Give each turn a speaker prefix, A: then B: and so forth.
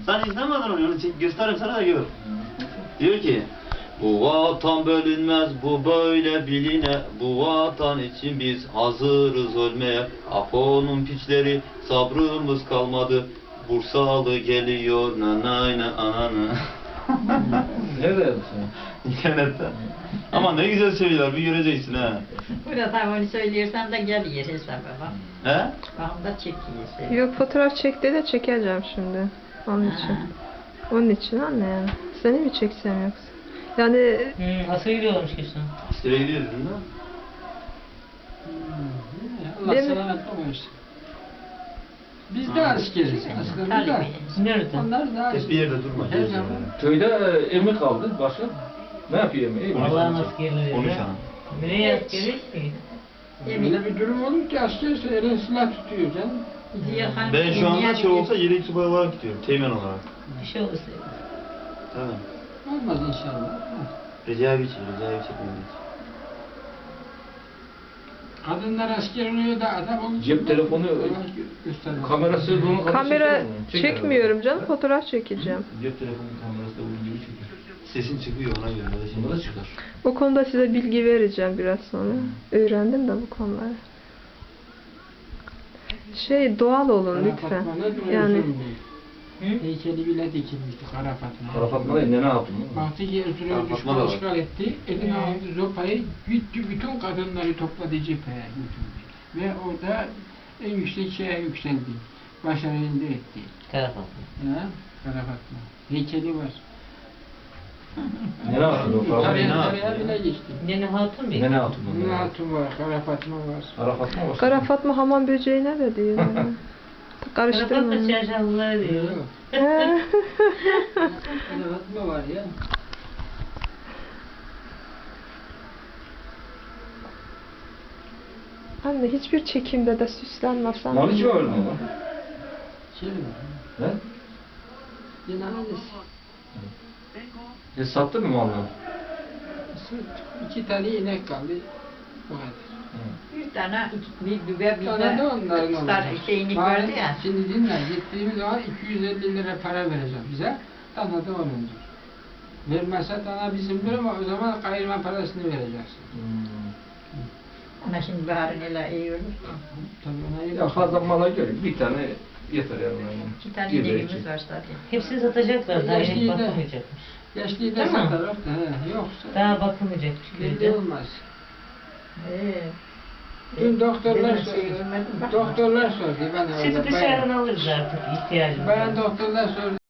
A: Sen izlemedin onu göstereyim sana da gör. Diyor ki bu vatan bölünmez, bu böyle biline. Bu vatan için biz hazırız ölmeye. Apo'nun piçleri, sabrımız kalmadı. Bursalı geliyor, nanayna anana.
B: Nerede yazmışsın?
A: İnternette. Ama ne güzel söylüyorlar, bir göreceksin ha.
C: Burada onu söylüyorsan da gel yer hesabı bak.
A: He?
C: Bakım da çekiyorsun.
D: Yok, fotoğraf çekti de çekeceğim şimdi. Onun için. Onun için anne yani. Seni mi çeksem yoksa? Yani
E: Askere gidiyorlarmış kesin.
A: Askere gidiyoruz değil mi?
F: Allah
D: Değil mi?
F: selamet olsun. Biz de askeriz. Askerimiz de.
C: Tabii.
E: Nerede?
F: Onlar da
A: Hep bir yerde durma.
F: Her
A: gez
F: zaman.
A: yani.
B: Köyde emir kaldı başka. Ne yapıyor emir?
E: Allah'ın askerleri.
A: Konuş hanım.
E: Nereye askeri ki?
F: Öyle bir durum olur ki askerse elin silah tutuyor canım.
A: Ben şu anda şey olsa yedek subay olarak gidiyorum, teğmen olarak.
E: Bir şey olursa.
A: Tamam.
F: Olmaz inşallah.
A: Recai çekmemiz.
F: Kadınlar asker oluyor da adam olunca...
B: Cep telefonu,
F: göstermez.
B: kamerası bunu
D: kamera çekmiyorum canım, fotoğraf çekeceğim.
B: Cep telefonu kamerası da bunun gibi çekiyor.
A: Sesin çıkıyor ona göre.
B: Bunda da çıkar.
D: O konuda size bilgi vereceğim biraz sonra. Öğrendim de bu konuları. Doğal olun lütfen. Yani
F: Heykeli bile dikilmişti Kara Fatma.
B: Kara Fatma değil, Nene Hatun.
F: Baktı ki Ertuğrul
A: Kara Fatma
F: düşman
A: da var.
F: işgal etti. Eline aldı zopayı, gitti bütün kadınları topladı cepheye götürdü. Ve orada en yüksek şeye yükseldi. Başarı elde etti.
E: Kara Fatma.
F: Ya, Kara Fatma. Heykeli var.
B: Nene Hatun o Kara
F: Tarihe
B: Fatma.
F: bile geçti.
E: Nene Hatun bir.
B: Nene Hatun.
F: Bunun Hatun var, Kara Fatma var.
B: Kara Fatma var.
D: Kara Fatma hamam böceğine de diyor. Yani.
E: Kara
D: Karıştırma.
E: Fatma çarşaflıları diyor.
D: He.
F: Kara Fatma var ya.
D: Anne hiçbir çekimde de süslenmezsen.
B: Mal hiç mi öldü mü?
F: Şey mi?
B: He?
F: Cenazesi.
B: Sattın mı malını?
F: 2 tane inek kaldı. Bu kadar.
C: Bir tane bir düve bir
F: Tane de onların olacak.
C: şeyini
F: Bari
C: gördü ya.
F: Şimdi dinle, gittiğimiz zaman 250 lira para verecek bize. Tane de onundur. Vermezse tane bizimdir ama o zaman kayırma parasını vereceksin.
C: Ama şimdi baharın ile iyi olur.
F: Tabii ona iyi
B: Ya fazla mala göre bir tane yeter yani.
C: İki tane
B: Bir de
C: ineğimiz
B: iki.
C: var zaten.
E: Hepsini satacaklar. Daha
F: Yaşlıyı
E: henüz
F: da-
E: bakılmayacakmış.
F: Yaşlıyı da
E: Değil mi?
F: satarlar da yoksa
E: Daha bakılmayacakmış
F: belli
E: köyde.
F: olmaz.
C: Ben
F: Dün doktorlar
C: şey
F: sordu.
C: görmedim, bak.
F: Doktorlar sordu bana
E: Sizi
F: orada.
E: dışarıdan alırız artık ihtiyacımız
F: Bayan
E: var.
F: doktorlar sordu.